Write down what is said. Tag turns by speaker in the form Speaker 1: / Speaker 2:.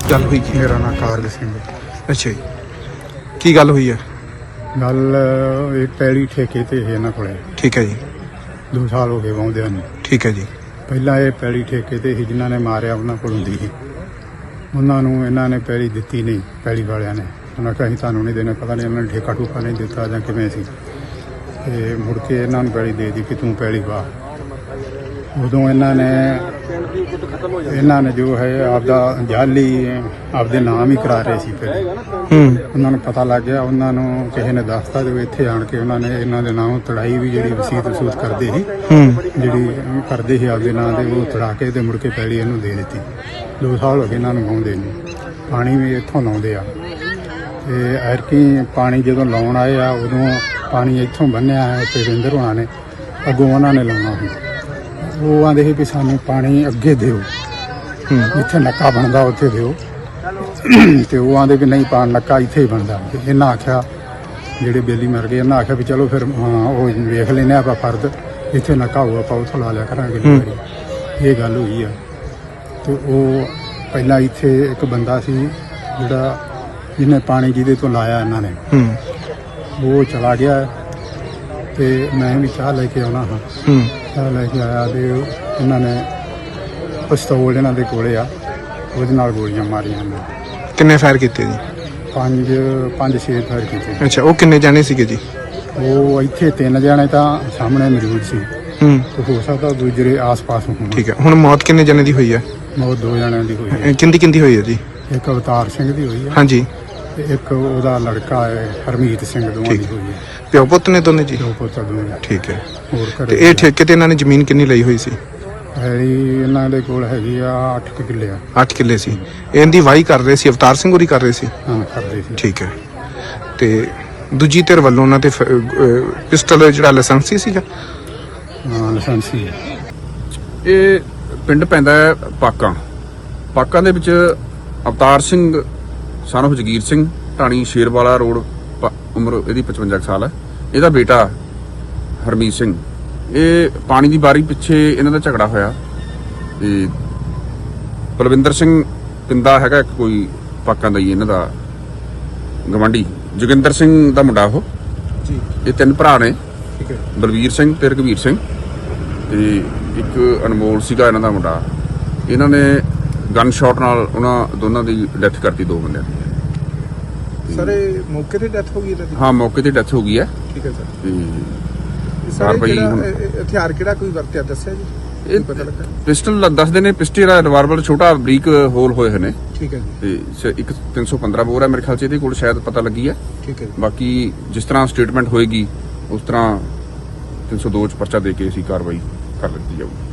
Speaker 1: ਗੱਲ ਹੋਈ ਕੀ?
Speaker 2: ਮੇਰਾ ਨਾਮ ਕਾਰਜ ਸਿੰਘ।
Speaker 1: ਅੱਛਾ ਜੀ, ਕੀ ਗੱਲ ਹੋਈ ਹੈ?
Speaker 2: ਗੱਲ ਇਹ ਪੈਲੀ ਠੇਕੇ ਤੇ ਹੈ ਇਹਨਾਂ ਕੋਲੇ।
Speaker 1: ਠੀਕ ਹੈ ਜੀ,
Speaker 2: 2 ਸਾਲ ਹੋ ਗਏ ਵਾਉਂਦਿਆਂ ਨੂੰ।
Speaker 1: ਠੀਕ ਹੈ ਜੀ।
Speaker 2: ਪਹਿਲਾਂ ਇਹ ਪੈਲੀ ਠੇਕੇ ਤੇ ਸੀ, ਜਿਨ੍ਹਾਂ ਨੇ ਮਾਰਿਆ ਉਹਨਾਂ ਕੋਲ ਹੁੰਦੀ ਸੀ। ਉਹਨਾਂ ਨੂੰ ਇਹਨਾਂ ਨੇ ਪੈਲੀ ਦਿੱਤੀ ਨਹੀਂ, ਪੈਲੀ ਵਾਲਿਆਂ ਨੇ ਉਹਨਾਂ ਕਿਹਾ ਅਸੀਂ ਤੁਹਾਨੂੰ ਨਹੀਂ ਦੇਣਾ। ਪਤਾ ਨਹੀਂ ਉਹਨਾਂ ਨੇ ਠੇਕਾ ਠੂਕਾ ਨਹੀਂ ਦਿੱਤਾ ਜਾਂ ਕਿਵੇਂ ਸੀ। ਤੇ ਮੁੜ ਕੇ ਇਹਨਾਂ ਨੂੰ ਪੈਲੀ ਦੇ ਦਿੱਤੀ ਕਿ ਤੂੰ ਪੈਲੀ ਵਾ। ਉਦੋਂ ਇਹਨਾਂ ਨੇ ਜੋ ਹੈ ਆਪਦਾ ਜਾਲੀ ਆਪਦੇ ਨਾਮ ਹੀ ਕਰਾ ਰਹੇ ਸੀ। ਫਿਰ ਉਹਨਾਂ ਨੂੰ ਪਤਾ ਲੱਗ ਗਿਆ, ਉਹਨਾਂ ਨੂੰ ਕਿਸੇ ਨੇ ਦੱਸਤਾ ਜੋ ਇੱਥੇ ਆਣ ਕੇ ਉਹਨਾਂ ਨੇ ਇਹਨਾਂ ਦੇ ਨਾਮ ਤੜਾਈ ਵੀ ਜਿਹੜੀ ਵਸੀਅਤ ਵਸੂਤ ਕਰਦੇ ਸੀ, ਜਿਹੜੀ ਕਰਦੇ ਸੀ ਆਪਦੇ ਨਾਂ ਦੇ, ਉਹ ਤੜਾ ਕੇ ਤੇ ਮੁੜ ਕੇ ਪੈਲੀ ਇਹਨੂੰ ਦੇ ਦਿੱਤੀ। 2 ਸਾਲ ਹੋ ਗਏ ਇਹਨਾਂ ਨੂੰ ਵਾਹੁੰਦੇ ਨੂੰ। ਪਾਣੀ ਵੀ ਇੱਥੋਂ ਲਾਉਂਦੇ ਆ ਤੇ ਐਰਕੀ ਪਾਣੀ ਜਦੋਂ ਲਾਉਣ ਆਏ ਆ ਉਦੋਂ ਪਾਣੀ ਇੱਥੋਂ ਬੰਨਿਆ ਹੈ ਤੇ ਰਿੰਦਰ ਹੋਣਾ ਨੇ ਅੱਗੋਂ ਉਹਨਾਂ ਨੇ ਲਾਉਣਾ ਸੀ। ਉਹ ਆਂਦੇ ਸੀ ਵੀ ਸਾਨੂੰ ਪਾਣੀ ਅੱਗੇ ਦਿਓ, ਜਿੱਥੇ ਨੱਕਾ ਬਣਦਾ ਉੱਥੇ ਦਿਓ। ਤੇ ਉਹ ਆਂਦੇ ਵੀ ਨਹੀਂ ਨੱਕਾ ਇੱਥੇ ਹੀ ਬਣਦਾ। ਇਹਨਾਂ ਆਖਿਆ, ਜਿਹੜੇ ਬੇਲੀ ਮਰ ਗਏ, ਇਹਨਾਂ ਆਖਿਆ ਵੀ ਚਲੋ ਫਿਰ ਉਹ ਵੇਖ ਲੈਨੇ ਆਪਾਂ ਫਰਦ, ਇੱਥੇ ਨੱਕਾ ਹੋਊ ਆਪਾਂ ਉੱਥੋਂ ਲਾ ਲਿਆ ਕਰਾਂਗੇ। ਇਹ ਗੱਲ ਹੋਈ ਆ। ਤੇ ਉਹ ਪਹਿਲਾਂ ਇੱਥੇ ਇੱਕ ਬੰਦਾ ਸੀ ਜਿਹੜਾ ਜਿਹਨੇ ਪਾਣੀ ਜਿਹਦੇ ਤੋਂ ਲਾਇਆ ਇਹਨਾਂ ਨੇ, ਉਹ ਚਲਾ ਗਿਆ ਤੇ ਮੈਂ ਵੀ ਚਾਹ ਲੈ ਕੇ ਆਉਣਾ ਹਾਂ। ਚਾਹ ਲੈ ਕੇ ਆਇਆ ਤੇ ਇਹਨਾਂ ਨੇ ਪਿਸਤੌਲ ਇਹਨਾਂ ਦੇ ਕੋਲੇ ਆ, ਉਹਦੇ ਨਾਲ ਗੋਲੀਆਂ ਮਾਰੀਆਂ ਨੇ।
Speaker 1: ਕਿੰਨੇ ਫਾਇਰ ਕੀਤੇ ਜੀ?
Speaker 2: 5-6 ਫਾਇਰ ਕੀਤੇ।
Speaker 1: ਅੱਛਾ, ਉਹ ਕਿੰਨੇ ਜਾਣੇ ਸੀਗੇ ਜੀ?
Speaker 2: ਉਹ ਇੱਥੇ 3 ਜਣੇ ਤਾਂ ਸਾਹਮਣੇ ਮੌਜੂਦ ਸੀ, ਤੇ ਹੋ ਸਕਦਾ ਦੂਜੇ ਆਸ-ਪਾਸ ਹੋਣ।
Speaker 1: ਠੀਕ ਹੈ, ਹੁਣ ਮੌਤ ਕਿੰਨੇ ਜਣੇ ਦੀ ਹੋਈ ਹੈ?
Speaker 2: ਮੌਤ 2 ਜਣਿਆਂ ਦੀ ਹੋਈ ਹੈ।
Speaker 1: ਕਿੰਦੀ ਹੋਈ ਹੈ ਜੀ?
Speaker 2: ਇੱਕ ਅਵਤਾਰ ਸਿੰਘ ਦੀ ਹੋਈ ਹੈ,
Speaker 1: ਹਾਂਜੀ,
Speaker 2: ਤੇ ਇੱਕ ਉਹਦਾ ਲੜਕਾ ਹੈ ਹਰਮੀਤ ਸਿੰਘ, ਦੋਵਾਂ ਦੀ ਹੋਈ ਹੈ।
Speaker 1: ਪਿਓ ਪੁੱਤ ਨੇ ਦੋਨੇ ਜੀ?
Speaker 2: ਦੋ ਪੁੱਤ ਦੋਵੇਂ।
Speaker 1: ਠੀਕ ਹੈ।
Speaker 2: ਹੋਰ
Speaker 1: ਤੇ
Speaker 2: ਘਰੇ
Speaker 1: ਇਹ ਠੇਕੇ ਤੇ ਇਹਨਾਂ ਨੇ ਜ਼ਮੀਨ ਕਿੰਨੀ ਲਈ ਹੋਈ ਸੀ?
Speaker 2: ਹੈਰੀ ਇਹਨਾਂ ਦੇ ਕੋਲ ਹੈਗੀ ਆ 8 ਕਿੱਲੇ ਆ।
Speaker 1: 8 ਕਿੱਲੇ ਸੀ। ਇਹਦੀ ਵਾਹੀ ਕਰ ਰਹੇ ਸੀ, ਅਵਤਾਰ ਸਿੰਘ ਹੋਰੀ ਕਰ ਰਹੇ ਸੀ?
Speaker 2: ਹਾਂ, ਕਰਦੇ ਸੀ।
Speaker 1: ਠੀਕ ਹੈ। ਤੇ ਦੂਜੀ ਧਿਰ ਵੱਲੋਂ ਉਹਨਾਂ ਤੇ ਪਿਸਟਲ ਜਿਹੜਾ ਲਾਇਸੈਂਸੀ ਸੀਗਾ?
Speaker 2: ਹਾਂ, ਲਾਇਸੈਂਸੀ ਹੈ।
Speaker 3: ਇਹ ਪਿੰਡ ਪੈਂਦਾ ਹੈ ਪਾਕਾਂ ਦੇ ਵਿੱਚ ਅਵਤਾਰ ਸਿੰਘ son of ਜਗੀਰ ਸਿੰਘ, ਢਾਣੀ ਸ਼ੇਰਵਾਲਾ ਰੋਡ, ਉਮਰ ਇਹਦੀ 55 ਸਾਲ ਹੈ। ਇਹਦਾ ਬੇਟਾ ਹਰਮੀਤ ਸਿੰਘ। ਇਹ ਪਾਣੀ ਦੀ ਬਾਰੀ ਪਿੱਛੇ ਇਹਨਾਂ ਦਾ ਝਗੜਾ ਹੋਇਆ ਤੇ ਬਲਵਿੰਦਰ ਸਿੰਘ ਪਿੰਦਾ ਹੈਗਾ ਇੱਕ ਕੋਈ ਪਾਕਾਂ ਦਾ ਹੀ ਇਹਨਾਂ ਦਾ ਗਵਾਂਢੀ, ਜੋਗਿੰਦਰ ਸਿੰਘ ਦਾ ਮੁੰਡਾ ਉਹ ਜੀ। ਇਹ 3 ਭਰਾ ਨੇ,
Speaker 1: ਠੀਕ ਹੈ।
Speaker 3: ਬਲਵੀਰ ਸਿੰਘ ਤੇ ਰਘਵੀਰ ਸਿੰਘ ਤੇ ਇੱਕ ਅਨਮੋਲ ਸੀਗਾ ਇਹਨਾਂ ਦਾ ਮੁੰਡਾ। ਇਹਨਾਂ ਨੇ ਗਨ ਸ਼ਾਟ ਨਾਲ ਉਹਨਾਂ ਦੋਨਾਂ ਦੀ ਡੈਥ ਕਰਤੀ, 2 ਬੰਦਿਆਂ ਦੀ।
Speaker 1: ਸਰ ਇਹ ਮੌਕੇ ਤੇ ਡੈਥ ਹੋ ਗਈ ਇਹਨਾਂ ਦੀ?
Speaker 3: ਹਾਂ, ਮੌਕੇ ਤੇ ਡੈਥ ਹੋ ਗਈ ਹੈ।
Speaker 1: ਠੀਕ ਹੈ ਸਰ।
Speaker 3: ਤੇ
Speaker 1: ਸਰ
Speaker 3: ਭਾਈ
Speaker 1: ਹਥਿਆਰ ਕਿਹੜਾ ਕੋਈ ਵਰਤਿਆ ਦੱਸਿਆ ਜੀ?
Speaker 3: ਇਹ
Speaker 1: ਪਤਾ ਲੱਗਾ?
Speaker 3: ਪਿਸਟਲ ਦੱਸਦੇ ਨੇ, ਪਿਸਟਲ ਦਾ ਰਿਵਾਲਵਰ ਛੋਟਾ ਬਰੀਕ ਹੋਲ ਹੋਏ ਹੋਏ ਨੇ।
Speaker 1: ਠੀਕ ਹੈ ਜੀ।
Speaker 3: ਤੇ ਇੱਕ 315 ਬੋਰ ਹੈ ਮੇਰੇ ਖਿਆਲ 'ਚ ਇਹਦੇ ਕੋਲ, ਸ਼ਾਇਦ ਪਤਾ ਲੱਗੀ ਹੈ।
Speaker 1: ਠੀਕ ਹੈ।
Speaker 3: ਬਾਕੀ ਜਿਸ ਤਰ੍ਹਾਂ ਸਟੇਟਮੈਂਟ ਹੋਏਗੀ ਉਸ ਤਰ੍ਹਾਂ 302 'ਚ ਪਰਚਾ ਦੇ ਕੇ ਅਸੀਂ ਕਾਰਵਾਈ ਕਰ ਦਿੱਤੀ ਜਾਊਗੀ।